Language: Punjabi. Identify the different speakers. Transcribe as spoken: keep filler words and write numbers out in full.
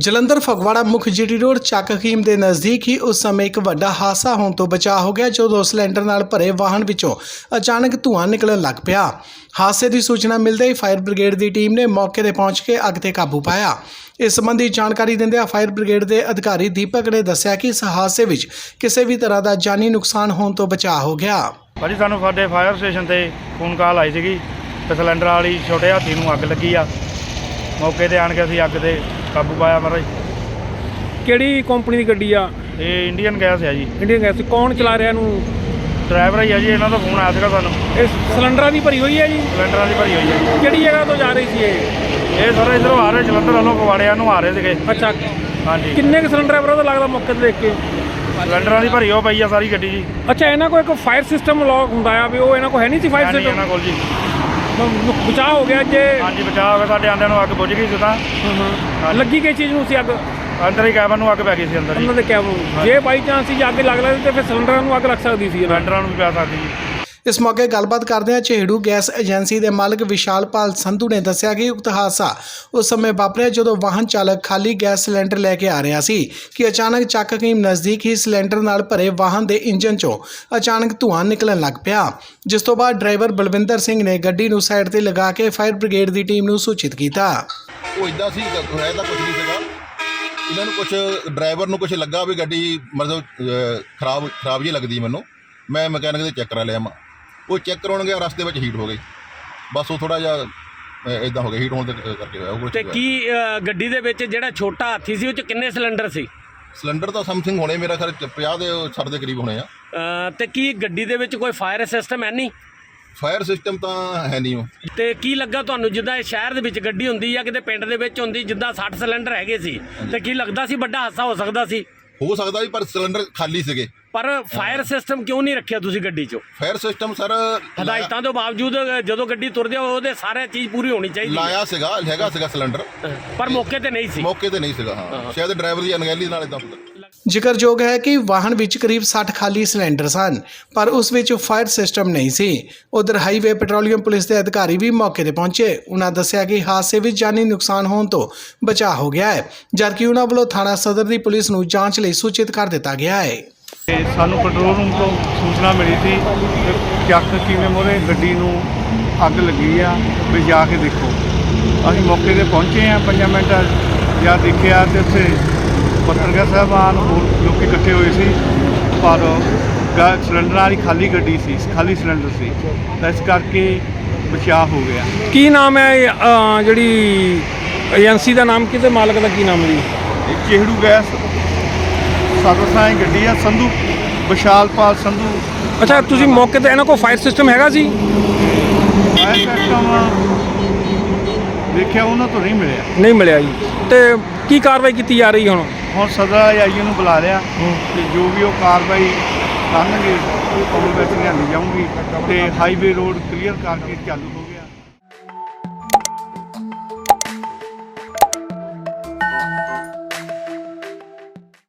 Speaker 1: ਜਲੰਧਰ ਫਗਵਾੜਾ ਮੁੱਖ ਜੀਟੀ ਰੋਡ ਚੱਕ ਹਕੀਮ ਦੇ ਨਜ਼ਦੀਕ ਹੀ ਉਸ ਸਮੇਂ ਇੱਕ ਵੱਡਾ ਹਾਦਸਾ ਹੋਣ ਤੋਂ ਬਚਾ ਹੋ ਗਿਆ ਜਦੋਂ ਸਿਲੰਡਰ ਨਾਲ ਭਰੇ ਵਾਹਨ ਵਿੱਚੋਂ ਅਚਾਨਕ ਧੂੰਆਂ ਨਿਕਲਣ ਲੱਗ ਪਿਆ। ਹਾਦਸੇ ਦੀ ਸੂਚਨਾ ਮਿਲਦੇ ਹੀ ਫਾਇਰ ਬ੍ਰਿਗੇਡ ਦੀ ਟੀਮ ਨੇ ਮੌਕੇ ਤੇ ਪਹੁੰਚ ਕੇ ਅੱਗ ਤੇ ਕਾਬੂ ਪਾਇਆ। ਇਸ ਸੰਬੰਧੀ ਜਾਣਕਾਰੀ ਦਿੰਦਿਆਂ ਫਾਇਰ ਬ੍ਰਿਗੇਡ ਦੇ ਅਧਿਕਾਰੀ ਦੀਪਕ ਨੇ ਦੱਸਿਆ ਕਿ ਇਸ ਹਾਦਸੇ ਵਿੱਚ ਕਿਸੇ ਵੀ ਤਰ੍ਹਾਂ ਦਾ ਜਾਨੀ ਨੁਕਸਾਨ ਹੋਣ ਤੋਂ ਬਚਾ ਹੋ ਗਿਆ।
Speaker 2: ਭਾਜੀ ਸਾਨੂੰ ਸਾਡੇ ਫਾਇਰ ਸਟੇਸ਼ਨ ਤੇ ਫੋਨ ਕਾਲ ਆਈ ਸੀਗੀ ਤੇ ਸਿਲੰਡਰ ਵਾਲੀ ਛੋਟੇ ਹਾਥੀ ਨੂੰ ਅੱਗ ਲੱਗੀ ਆ। ਮੌਕੇ ਤੇ ਆਣ ਕੇ ਅਸੀਂ ਅੱਗ ਤੇ ਕਾਬੂ ਪਾਇਆ ਮਹਾਰਾਜ।
Speaker 3: ਕਿਹੜੀ ਕੰਪਨੀ ਦੀ ਗੱਡੀ ਆ?
Speaker 2: ਇਹ ਇੰਡੀਅਨ ਗੈਸ ਹੈ ਜੀ।
Speaker 3: Indian gas. ਕੌਣ ਚਲਾ ਰਿਹਾ ਇਹਨੂੰ?
Speaker 2: ਡਰਾਈਵਰ ਹੀ ਆ ਜੀ। ਇਹਨਾਂ ਦਾ ਫੋਨ ਆਇਆ ਸੀਗਾ ਸਾਨੂੰ।
Speaker 3: ਇਹ ਸਿਲੰਡਰਾਂ ਦੀ ਭਰੀ ਹੋਈ ਹੈ ਜੀ?
Speaker 2: ਸਿਲੰਡਰਾਂ ਦੀ ਭਰੀ ਹੋਈ ਹੈ ਜੀ।
Speaker 3: ਕਿਹੜੀ ਜਗ੍ਹਾ ਤੋਂ ਜਾ ਰਹੀ ਸੀ ਇਹ?
Speaker 2: ਇਹ ਸਾਰੇ ਇੱਧਰੋਂ ਆ ਰਹੇ ਜਲੰਧਰ ਵੱਲੋਂ ਫਗਵਾੜਿਆਂ ਨੂੰ ਆ ਰਹੇ ਸੀਗੇ।
Speaker 3: ਅੱਛਾ,
Speaker 2: ਹਾਂਜੀ।
Speaker 3: ਕਿੰਨੇ ਕੁ ਸਿਲੰਡਰ ਹੈ ਬਰੋ ਲੱਗਦਾ ਮੌਕੇ ਤੇ ਦੇਖ ਕੇ?
Speaker 2: ਸਿਲੰਡਰਾਂ ਦੀ ਭਰੀ ਹੋ ਪਈ ਆ ਸਾਰੀ ਗੱਡੀ ਜੀ।
Speaker 3: ਅੱਛਾ, ਇਹਨਾਂ ਕੋਲ ਇੱਕ ਫਾਇਰ ਸਿਸਟਮ ਲੌਕ ਹੁੰਦਾ ਆ ਵੀ ਉਹ ਇਹਨਾਂ ਕੋਲ ਹੈ ਨਹੀਂ ਸੀ ਫਾਇਰ
Speaker 2: ਨਹੀਂ ਇਹਨਾਂ
Speaker 3: ਸਿਸਟਮ?
Speaker 2: ਕੋਲ ਜੀ।
Speaker 3: ਬਚਾਅ ਹੋ ਗਿਆ ਜੇ?
Speaker 2: ਹਾਂਜੀ ਬਚਾਅ ਹੋ ਗਿਆ। ਸਾਡੇ ਆਂਦਿਆਂ ਨੂੰ ਅੱਗ ਬੁਝ ਗਈ ਸੀ ਤਾਂ।
Speaker 3: ਹਾਂ, ਲੱਗੀ ਕਿਸ ਚੀਜ਼ ਨੂੰ ਸੀ ਅੱਗ?
Speaker 2: ਅੰਦਰ ਹੀ ਕੈਬਨ ਨੂੰ ਅੱਗ ਪੈ ਗਈ ਸੀ ਅੰਦਰ ਜੀ।
Speaker 3: ਉਹਨਾਂ ਦੇ ਕੈਬ ਜੇ ਬਾਈ ਚਾਂਸ ਸੀ ਅੱਗ ਲੱਗ ਲੱਗਦੀ ਤੇ ਫਿਰ ਸਿਲੰਡਰਾਂ ਨੂੰ ਅੱਗ ਲੱਗ ਸਕਦੀ ਸੀ।
Speaker 2: ਸਿਲੰਡਰਾਂ ਨੂੰ ਵੀ ਪੈ ਸਕਦੀ ਜੀ।
Speaker 1: ਇਸ ਮੌਕੇ ਗੱਲਬਾਤ ਕਰਦਿਆਂ ਝੇੜੂ ਗੈਸ ਏਜੰਸੀ ਦੇ ਮਾਲਕ ਵਿਸ਼ਾਲਪਾਲ ਸੰਧੂ ਨੇ ਦੱਸਿਆ ਕਿ ਉਕਤ ਹਾਦਸਾ ਉਸ ਸਮੇਂ ਵਾਪਰਿਆ ਜਦੋਂ ਵਾਹਨ ਚਾਲਕ ਖਾਲੀ ਗੈਸ ਸਿਲੰਡਰ ਲੈ ਕੇ ਆ ਰਿਹਾ ਸੀ ਕਿ ਅਚਾਨਕ ਚੱਕ ਹਕੀਮ ਨਜ਼ਦੀਕ ਹੀ ਸਿਲੰਡਰ ਨਾਲ ਭਰੇ ਵਾਹਨ ਦੇ ਇੰਜਨ 'ਚੋਂ ਅਚਾਨਕ ਧੂੰਆਂ ਨਿਕਲਣ ਲੱਗ ਪਿਆ, ਜਿਸ ਤੋਂ ਬਾਅਦ ਡਰਾਈਵਰ ਬਲਵਿੰਦਰ ਸਿੰਘ ਨੇ ਗੱਡੀ ਨੂੰ ਸਾਈਡ ਤੇ ਲਗਾ ਕੇ ਫਾਇਰ ਬ੍ਰਿਗੇਡ ਦੀ ਟੀਮ ਨੂੰ ਸੂਚਿਤ ਕੀਤਾ।
Speaker 4: ਉਹ ਇਦਾਂ ਸੀ ਹੈ ਤਾਂ ਕੁਝ ਨਹੀਂ ਸੀਗਾ। ਇਹਨਾਂ ਨੂੰ ਕੁਝ ਡਰਾਈਵਰ ਨੂੰ ਕੁਝ ਲੱਗਾ ਵੀ ਗੱਡੀ ਮਤਲਬ ਖਰਾਬ ਖਰਾਬ ਜਿਹੀ ਲੱਗਦੀ ਮੈਨੂੰ। ਮੈਂ ਮਕੈਨਿਕ ਦੇ ਚੈੱਕ ਕਰਾ ਲਿਆ। ਮੈਂ ਉਹ ਚੈੱਕ ਕਰਾਉਣ ਗਿਆ, ਰਸਤੇ ਵਿੱਚ ਹੀਟ ਹੋ ਗਈ। ਬਸ ਉਹ ਥੋੜ੍ਹਾ ਜਿਹਾ ਇੱਦਾਂ ਹੋ ਗਿਆ, ਹੀਟ ਹੋਣ ਦੇ ਕਰਕੇ ਹੋਇਆ ਉਹ।
Speaker 5: ਤੇ ਕੀ ਅ, ਗੱਡੀ ਦੇ ਵਿੱਚ ਜਿਹੜਾ ਛੋਟਾ ਹਾਥੀ ਸੀ ਉਹ 'ਚ ਕਿੰਨੇ ਸਿਲੰਡਰ ਸੀ?
Speaker 4: ਸਿਲੰਡਰ ਤਾਂ ਸਮਥਿੰਗ ਹੋਣੇ ਮੇਰਾ ਖਿਆਲ ਪੰਜਾਹ ਦੇ ਸੱਠ ਦੇ ਕਰੀਬ ਹੋਣੇ ਆ।
Speaker 5: ਅ, ਤੇ ਕੀ ਗੱਡੀ ਦੇ ਵਿੱਚ ਕੋਈ ਫਾਇਰ ਸਿਸਟਮ ਹੈ ਨਹੀਂ?
Speaker 4: ਫਾਇਰ ਸਿਸਟਮ ਤਾਂ ਹੈ ਨਹੀਂ ਉਹ।
Speaker 5: ਤੇ ਕੀ ਲੱਗਾ ਤੁਹਾਨੂੰ ਜਿੱਦਾਂ ਇਹ ਸ਼ਹਿਰ ਦੇ ਵਿੱਚ ਗੱਡੀ ਹੁੰਦੀ ਜਾਂ ਕਿਤੇ ਪਿੰਡ ਦੇ ਵਿੱਚ ਹੁੰਦੀ, ਜਿੱਦਾਂ ਸੱਠ ਸਿਲੰਡਰ ਹੈਗੇ ਸੀ ਤੇ ਕੀ ਲੱਗਦਾ ਸੀ ਵੱਡਾ ਹਾਦਸਾ ਹੋ ਸਕਦਾ ਸੀ?
Speaker 4: ਹੋ ਸਕਦਾ ਵੀ, ਪਰ ਸਿਲੰਡਰ ਖਾਲੀ ਸੀਗੇ।
Speaker 5: ਪਰ ਫਾਇਰ ਸਿਸਟਮ ਕਿਉਂ ਨਹੀਂ ਰੱਖਿਆ ਤੁਸੀਂ ਗੱਡੀ 'ਚੋਂ?
Speaker 4: ਫਾਇਰ ਸਿਸਟਮ ਸਰ
Speaker 5: ਹਦਾਇਤਾਂ ਤੋਂ ਬਾਵਜੂਦ ਜਦੋਂ ਗੱਡੀ ਤੁਰਦੀ ਆ ਉਹਦੇ ਸਾਰੇ ਚੀਜ਼ ਪੂਰੀ ਹੋਣੀ ਚਾਹੀਦੀ ਹੈ।
Speaker 4: ਲਾਇਆ ਸੀਗਾ, ਹੈਗਾ ਸੀਗਾ ਸਿਲੰਡਰ,
Speaker 5: ਪਰ ਮੌਕੇ ਤੇ ਨਹੀਂ ਸੀ।
Speaker 4: ਮੌਕੇ ਤੇ ਨਹੀਂ ਸੀਗਾ। ਹਾਂ, ਸ਼ਾਇਦ ਡਰਾਈਵਰ ਦੀ ਅਣਗਹਿਲੀ ਨਾਲ ਇਦਾਂ ਹੁੰਦਾ।
Speaker 1: ਜ਼ਿਕਰਯੋਗ ਹੈ ਕਿ ਵਾਹਨ ਵਿੱਚ ਕਰੀਬ ਸੱਠ ਖਾਲੀ ਸਿਲੰਡਰ ਸਨ, ਪਰ ਉਸ ਵਿੱਚ ਫਾਇਰ ਸਿਸਟਮ ਨਹੀਂ ਸੀ। ਉਧਰ ਹਾਈਵੇ ਪੈਟਰੋਲੀਅਮ ਪੁਲਿਸ ਦੇ ਅਧਿਕਾਰੀ ਵੀ ਮੌਕੇ ਤੇ ਪਹੁੰਚੇ। ਉਹਨਾਂ ਦੱਸਿਆ ਕਿ ਹਾਦਸੇ ਵਿੱਚ ਜਾਨੀ ਨੁਕਸਾਨ ਹੋਣ ਤੋਂ ਬਚਾਅ ਹੋ ਗਿਆ ਹੈ, ਜਦਕਿ ਉਹਨਾਂ ਵੱਲੋਂ ਥਾਣਾ ਸਦਰ ਦੀ ਪੁਲਿਸ ਨੂੰ ਜਾਂਚ ਲਈ ਸੂਚਿਤ ਕਰ ਦਿੱਤਾ ਗਿਆ ਹੈ।
Speaker 2: ਤੇ ਸਾਨੂੰ ਕੰਟਰੋਲ ਰੂਮ ਤੋਂ ਸੂਚਨਾ ਮਿਲੀ ਸੀ ਕਿ ਚੱਕ ਕਿਵੇਂ ਮੋਰੇ ਗੱਡੀ ਨੂੰ ਅੱਗ ਲੱਗੀ ਆ, ਵੀ ਜਾ ਕੇ ਦੇਖੋ। ਅਸੀਂ ਮੌਕੇ ਤੇ ਪਹੁੰਚੇ ਆ। ਪੰਜਾਂ ਮਿੰਟਾਂ ਜਾਂ ਦੇਖਿਆ ਤੇ ਉੱਥੇ ਪੱਤਰਕਾਰ ਸਾਹਿਬਾਨ ਹੋਰ ਲੋਕ ਇਕੱਠੇ ਹੋਏ ਸੀ, ਪਰ ਗੈਸ ਸਿਲੰਡਰ ਵਾਲੀ ਖਾਲੀ ਗੱਡੀ ਸੀ, ਖਾਲੀ ਸਿਲੰਡਰ ਸੀ, ਤਾਂ ਇਸ ਕਰਕੇ ਬਚਾਅ ਹੋ ਗਿਆ।
Speaker 3: ਕੀ ਨਾਮ ਹੈ ਇਹ, ਅ, ਜਿਹੜੀ ਏਜੰਸੀ ਦਾ ਨਾਮ? ਕਿਤੇ ਮਾਲਕ ਦਾ ਕੀ ਨਾਮ ਹੈ ਜੀ?
Speaker 2: ਇਹ ਝੇੜੂ ਗੈਸ ਸਰਵਿਸਾਂ ਗੱਡੀ ਆ, ਸੰਧੂ ਵਿਸ਼ਾਲਪਾਲ ਸੰਧੂ।
Speaker 3: ਅੱਛਾ, ਤੁਸੀਂ ਮੌਕੇ ਤੇ ਇਹਨਾਂ ਕੋਲ ਫਾਇਰ ਸਿਸਟਮ ਹੈਗਾ ਸੀ?
Speaker 2: ਫਾਇਰ ਸਿਸਟਮ ਦੇਖਿਆ ਉਹਨਾਂ ਤੋਂ ਨਹੀਂ ਮਿਲਿਆ।
Speaker 3: ਨਹੀਂ ਮਿਲਿਆ ਜੀ। ਤੇ ਕੀ ਕਾਰਵਾਈ ਕੀਤੀ ਜਾ ਰਹੀ ਹੁਣ?
Speaker 2: ਹੁਣ ਸਦਰ ਆਈ ਨੂੰ ਬੁਲਾ ਲਿਆ ਤੇ ਜੋ ਵੀ ਉਹ ਕਾਰਵਾਈ ਕਰਨਗੇ ਉਹ ਵਿੱਚ ਲਿਆਂਦੀ ਜਾਊਗੀ ਤੇ ਹਾਈਵੇ ਰੋਡ ਕਲੀਅਰ ਕਰਕੇ ਚਾਲੂ